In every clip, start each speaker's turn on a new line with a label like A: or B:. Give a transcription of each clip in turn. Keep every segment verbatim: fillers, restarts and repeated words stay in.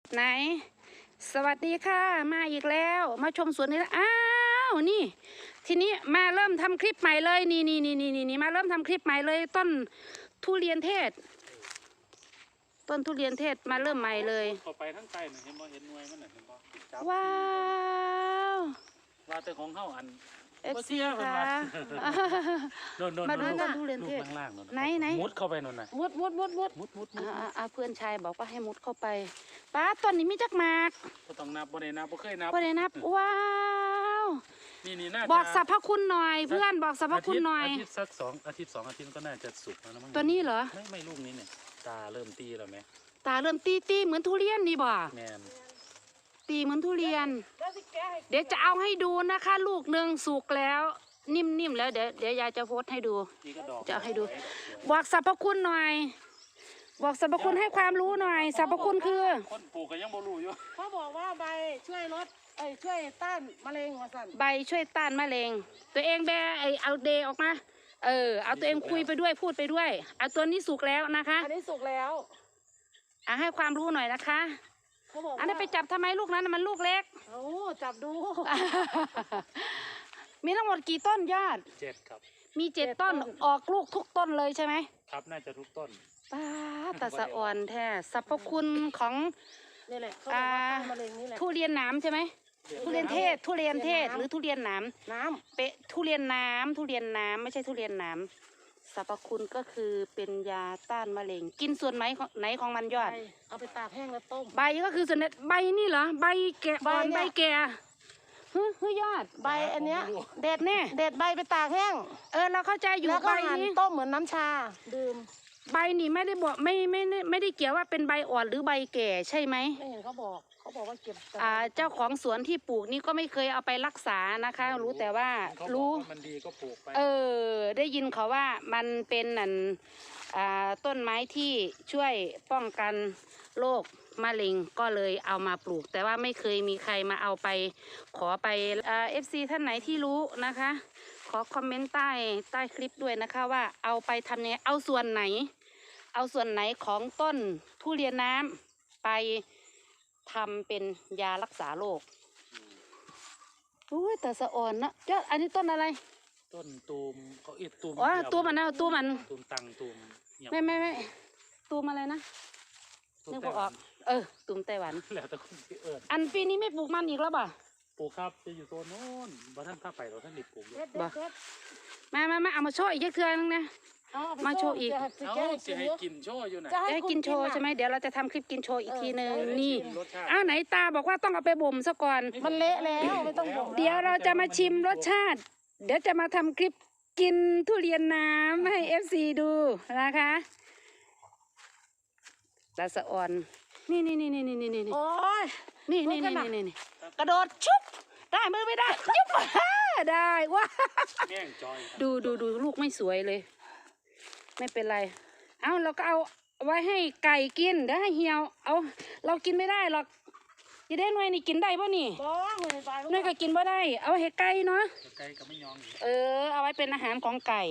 A: ไหนสวัสดีค่ะมาอีกแล้วมาชมสวนนี้แล้วอ้าวนี่ทีนี้มาเริ่มทำคลิปใหม่เลยนี่นี่นี่นี่นี่มาเริ่มทำคลิปใหม่เลยต้นทุเรียนเทศต้นทุเรียนเทศมาเริ่มใหม่เลย
B: เข้าไปทั้งใจหน่อยเห็นบ่เห็นหน่วยมันหน่อยเห็นบ่จับ
A: ว้าว
B: ว่าแต่ของเขาอัน
A: เอฟซีค่ะมาดูต้นทุเรียนเทศไหนไหน
B: มุดเข้าไปนั่นน่ะ
A: มุดมุดมุดมุด
B: มุดมุดมุด
A: อ่าเพื่อนชายบอกว่าให้มุดเข้าไปป้าต้นนี้มีจักหมาก
B: ก็ต้องนับบ่ได้นับบ่เคยนับ
A: บ่ได้นับว้าว
B: นี่นี่น่าจะ
A: บอกสรรพคุณหน่อยเพื่อนบอกสรรพคุณหน่อย
B: อาทิตย์สักสองอาทิตย์สองอาทิตย์ก็น่าจะสุกแล้วนะมั้ง
A: ตัวนี้เหรอ
B: ไม่ไม่ลูกนี้เนี่ยตาเริ่มตีแล้วไหม
A: ตาเริ่มตีตีเหมือนทุเรียนนี่บ่
B: แม่น
A: ตีเหมือนทุเรียนเดี๋ยวจะเอาให้ดูนะคะลูกหนึ่งสุกแล้วนิ่มๆแล้วเดี๋ยวเดี๋ยวยายจะโพสให้ดูจะเอาให้ดูบอกสรรพคุณหน่อยบอกสรรพคุณให้ความรู้หน่อยสรรพคุณคือ
B: คนปลูกก็ยังบ่รู้อยู่
C: เขาบอกว่าใบช่วยลดเอ้ยช่วยต้านมะเร็งหัวสั่น
A: ใบช่วยต้านมะเร็งตัวเองแบไอเอาเดออกมาเออเอาตัวเองคุยไปด้วยพูดไปด้วยเอาตัวนี้สุกแล้วนะคะ
C: อันนี้สุกแล้ว
A: อ่ะให้ความรู้หน่อยนะคะอันนี้ไปจับทำไมลูกนั้นมันลูกเล็ก
C: โอ้จับดู
A: มีทั้งหมดกี่ต้นยอด
B: เจ็ดครับ
A: มีเจ็ดต้นออกลูกทุกต้นเลยใช่ไหม
B: ครับน่าจะทุกต้น
A: ป้าตาสะอ่อนแท้สรรพคุณของ
C: นี่แหละเขาบอกว่าต้านมะเร็งนี่แหละ
A: ทุเรียนน้ำใช่ไหมทุเรียนเทศทุเรียนเทศหรือทุเรียนน้
C: ำน้
A: ำเป๊ะทุเรียนน้ำทุเรียนน้ำไม่ใช่ทุเรียนน้ำสรรพคุณก็คือเป็นยาต้านมะเร็งกินส่วนไหนไหนของมันยอด
C: เอาไปตากแห้งแล้วต้ม
A: ใบก็คือส่วนใบนี่เหรอใบแก่อ่อนใบแก่ฮึฮึยอด
C: ใบอันเนี้ย
A: เด็ดเนี่ย
C: เด็ดใบไปตากแห้ง
A: เออเราเข้าใจอยู่
C: ใบนี้ต้มเหมือนน้ำชาดื่ม
A: ใบนี่ไม่ได้บอกไม่ไม่ไม่ได้เกี่ยวว่าเป็นใบอ่อนหรือใบแก่ใช่ไหม
C: ไม่เห็นเขาบอกเขาบอกว่าเก็บ
A: อ่าเจ้าของสวนที่ปลูกนี่ก็ไม่เคยเอาไปรักษานะคะรู้แต่ว่ารู้
B: มันดีก็ปลูกไป
A: เออได้ยินเขาว่ามันเป็นนั่นอ่าต้นไม้ที่ช่วยป้องกันโรคมะเร็งก็เลยเอามาปลูกแต่ว่าไม่เคยมีใครมาเอาไปขอไปอ่าเอฟซีท่านไหนที่รู้นะคะขอคอมเมนต์ใต้ใต้คลิปด้วยนะคะว่าเอาไปทำยังไงเอาส่วนไหนเอาส่วนไหนของต้นทุเรียนน้ำไปทำเป็นยารักษาโรคอุ้ยแต่สะอ่อนนะเจ้าอันนี้ต้นอะไร
B: ต้นตูมเขาเอ็ดตูม
A: อ๋อตูมมันนะตูมมัน
B: ตูมตังตูม
A: ไม่ไม่ไม่ตูมอะไรนะนึกออกเออตูมไต้หวัน
B: แล้วแต่คนที่เอิญ
A: อันปีนี้ไม่ปลูกมันอีกแล้วป่ะ
B: ปลูกครับจะอยู่โซนโน้นบ้านท่านข้าไปเราท่านดิบปลูก
A: บ่มามามาเอามาโชว์อีกเทื่อนึงนะมาโชว์อีก
B: เอาจะให้กินโชว์อยู่ไหน
A: จะให้กินโชว์ใช่ไหมเดี๋ยวเราจะทำคลิปกินโชว์อีกทีนึงนี่อ้าวไหนตาบอกว่าต้องเอาไปบ่มซะก่อน
C: มันเละแล้วไม่ต้องบ่ม
A: เดี๋ยวเราจะมาชิมรสชาติเดี๋ยวจะมาทำคลิปกินทุเรียนน้ำให้เอฟซีดูนะคะตาสะอ่อนนี่นี่นี่นี่นี่นี่นี่
C: โอ้ย
A: นี่นี่นี่นี่นี่กระโดดชุบได้มือไม่ได้ยุบได้ว้าดูดูดูลูกไม่สวยเลยไม่เป็นไรเอาเราก็เอาไว้ให้ไก่กินเดี๋ยวให้เหี่ยวเอาเรากินไม่ได้หรอกยี่ได้หน่วยนี่กินได้ป่ะนี่หน่วยก็กินป่ะได้เอาให้ไก่เนาะ
B: ไก่ก็ไม่ยอม
A: เออเอาไว้เป็นอาหารของไก่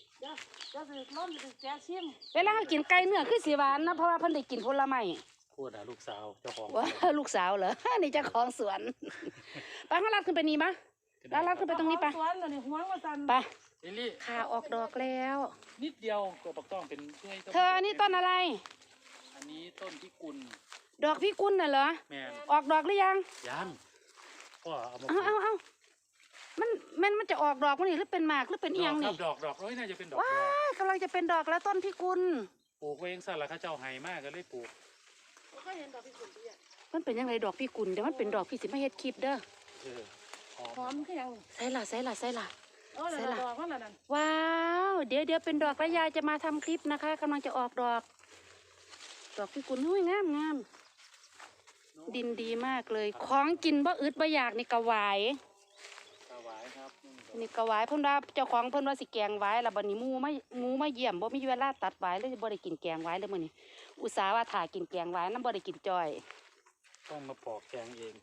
A: เวลากินไก่เนื้อคือสีหวานนะเพราะว่าเพิ่นได้กินผลไม้
B: พูดอะลูกสาวเจ้าของ
A: ว่าลูกสาวเหรอนี่เจ้าของสวนไปข้างล่างขึ้นไปนี่ปะล่างล่างขึ้นไปตรงนี้ปะไปขาออกดอกแล้ว
B: นิดเดียวก็ปักต้องเป็นช่วย
A: เธอนี่ต้นอะไร
B: อันนี้ต้นพิกุล
A: ดอกพิกุลน่ะเหรอ
B: แม่
A: ออกดอกหรือยัง
B: ยังก็เอา
A: เอาเอาเอามันมันมันจะออกดอกมันนี่หรือเป็นหมากหรือเป็นเอียงนี่
B: ดอกดอกร้อยน่าจะเป็นดอก
A: ว้ากำลังจะเป็นดอกแล้วต้นพิกุล
B: ปลูกเองซะละข้าเจ้าไห้มากก็เลยปลูก
C: ก็เห็นดอกพิกุลพี่อะ
A: มันเป็นยังไงดอกพิกุลเดี๋ยวมันเป็นดอกพี่สิไม่เฮ็ดคลิปเด้อ
C: หอมคือยัง
A: ใส่ละใส่ละใส่ละ
C: ใส่ละ
A: ว้าวเดี๋ยวเดี๋ยวเป็นดอกแล้วยายจะมาทำคลิปนะคะกำลังจะออกดอกดอกพิกุลหุ้ยงามงามดินดีมากเลยของกินบ่อึดบ่อยากนี่กระวาย
B: กระวายครับ
A: นี่กระวายเพิ่นว่าเจ้าของเพิ่นว่าสิแกงไว้แล้วบัดนี้มูไม่มูไม่เยี่ยมบ่มีเวลาตัดไว้เลยบ่ได้กินแกงไว้เลยมื้อนี้อุตส่าห์ว่าถ่ากินแกงไว้นำบ่ได้กินจ้อย
B: ต้องมาปอกแกงเอง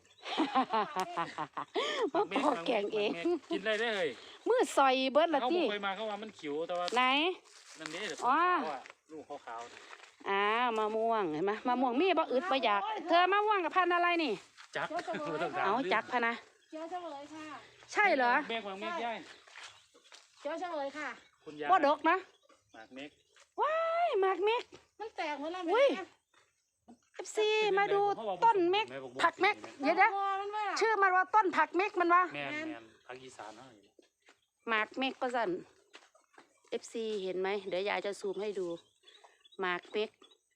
A: มาปอกแกงเอง
B: กินได้ได้เลย
A: มือซอยเบิดละที่
B: เขาเคยมาเขาว่ามันขิวแต่ว่า
A: ไหน
B: นั่นนี่เดี๋ยวเขาว่าลูกขาว
A: อ้าวมะม่วงเห็นไหมมะม่วงมีบ่อึดบ่อยากเธอมะม่วงกับพันธุ์อะไรนี่
B: จัก
C: เจ้าเสมอ
B: บ่ต้องถม
A: เอา
B: ลืม
A: จักพะนะ
C: เจ้าเฉลยค่ะ
A: ใช่เหรอ
B: เมฆวางเมฆย่าย
C: เจ้าเฉลยค่ะ
B: คุณยาย
A: บ่ดกนะ
B: หมากเมฆ
A: ว้ายหมากเม็ก
C: มันแตกเหมือนอะไร
A: อุ้ย เอฟซีมาดูต้นเม็กผักเม็กเดี๋ยวนะ
C: มันว่า
A: ชื่อมันว่าต้นผักเม็กมันวะ
B: แม่นแม่นภาคอีสานเฮานี่
A: หมากเม็กก็สั่นเอฟซีเห็นไหมเดี๋ยวยายจะซูมให้ดูหมากเม็ก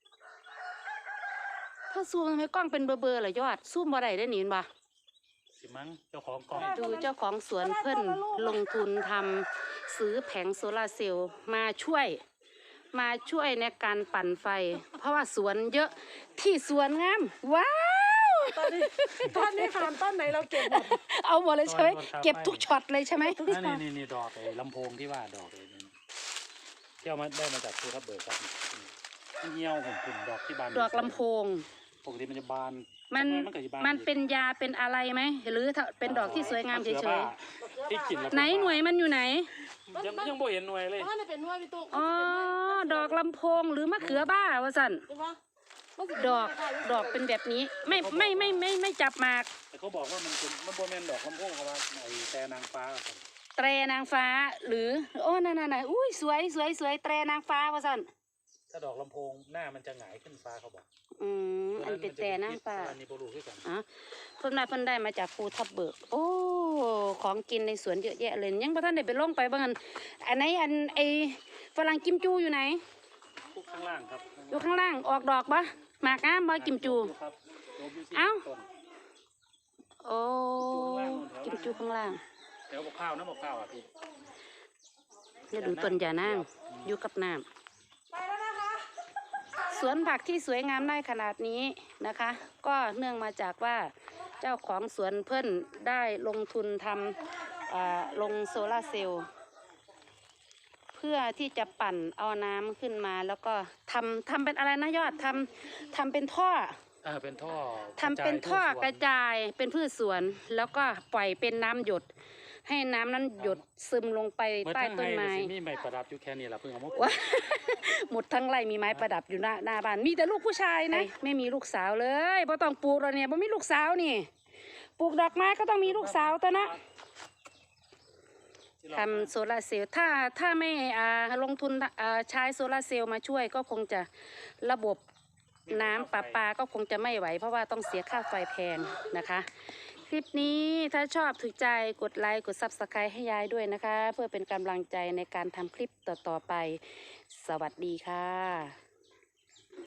A: ถ้าซูมทำไมกล้องเป็นเบอร์เบอร์เหรอยอดซูมบ่ได้ได้หนิบ่
B: สิมั้งเจ้าของกล้อง
A: ดูเจ้าของสวนเพิ่นลงทุนทำซื้อแผงโซลาร์เซลล์มาช่วย มาช่วยในการปั่นไฟ เพราะว่าสวนเยอะที่สวนงามว้าว
C: ตอนนี้ตอนนี้ผ่านต้นไหนเราเก็บหมด
A: เอาหมดเลยใช่ไหมเก็บทุกช็อตเลยใช่ไหม
B: นั่นนี่นี่นี่ดอกไอ้ลำโพงที่ว่าดอกไอ้นี่ที่เอามาได้มาจากภูทับเบิกครับนี่เหี่ยวผมกลุ่มดอกที่บาน
A: ดอกลำโพง
B: ปกติมันจะบาน
A: มัน
B: ทำไก็จะบา
A: มัน
B: อีก
A: เป็นยาเป็นอะไรไหมหรือถ้าเป็นดอกที่สวยงามเฉ
B: มะขือย บ้ที่กินแล้ว
A: ๆไหนหน่วยมันอยู่ไหน
B: ยังยังบ่เห็นหน่วยเลย
C: เพราะมันเป็นนวดพี่ตุ๊ก
A: อ๋อดอกลำโพงหรือมะเขือบ้าวะสัน
C: ใช่ปะมันสิ
A: ดอกดอกเป็นแบบนี้ไม่ไม่ไม่ไม่ไม่จับหมาก
B: แต่เขาบอกว่ามันเป็นมันโบแมนดอกลำโพงเขาว่าไอ้แต่นางฟ้าครับ
A: แตรนางฟ้าหรือโอ้นั่นน่ะอุ้ยสวยสวยสวยแตรนางฟ้าวะสัน
B: ถ้าดอกลำโพงหน้ามันจะหงายขึ้นฟ้าเขาบอก
A: อืมอันเป็นแตรนางฟ้า
B: อันนี้โบรูขึ้นกัน
A: อ๋อเพิ่นมาเพิ่นได้มาจากภูทับเบิกโอ้ของกินในสวนเยอะแยะเลยยังพ่ท่านได้ไปลงไปบ้างอันอันไหนอันไอฝรั่งกิมจูอยู่ไหน
B: พวกข้างล่างครับ
A: อยู่ข้างล่างออกดอกปะหมากงามบ่กิมจู
B: ครับโดมยู่ที่
A: เอ้า
B: ต้น
A: โอ้กิมจูข้างล่าง
B: เดี๋ยวบอกข้าวนะบอกข้าวอ่ะพี่
A: เดี๋ยวดูต้นยานางอยู่กับน้
C: ไปแล้วนะคะ
A: ำสวนผักที่สวยงามได้ขนาดนี้นะคะ ก็เนื่องมาจากว่าเจ้าของสวนเพิ่นได้ลงทุนทำอ่าลงโซลาร์เซลล์เพื่อที่จะปั่นเอาน้ำขึ้นมาแล้วก็ทำทำเป็นอะไรนะยอดทำทำเป็นท่อ
B: เออเป็นท่อ
A: ทำเป็นท่อกระจายเป็นพืชสวน แล้วก็ปล่อยเป็นน้ำหยด ให้น้ำนั้นหยดซึมลงไป
B: เมื่อ
A: ใต้
B: ทั้ง
A: ต้น
B: ให้
A: ไม้
B: มีใบประดับอยู่แค่นี้แหละเพิ่งเอามาปลูก
A: ว้า หมดทั้งไร่มีไม้ประดับอยู่หน้าหน้าบ้านมีแต่ลูกผู้ชายนะไม่มีลูกสาวเลยเพราะต้องปลูกเราเนี่ยเพราะมีลูกสาวนี่ปลูกดอกไม้ก็ต้องมีลูกสาวตัวนะทำโซลาร์เซลล์ถ้าถ้าไม่อ่าลงทุนอ่าใช้โซลาร์เซลล์มาช่วยก็คงจะระบบน้ำประปาก็คงจะไม่ไหว เพราะว่าต้องเสียค่าไฟแพงนะคะ คลิปนี้ถ้าชอบถูกใจกดไลค์กด ซับสไครบ์ ให้ยายด้วยนะคะ เพื่อเป็นกำลังใจในการทำคลิปต่อๆไป สวัสดีค่ะ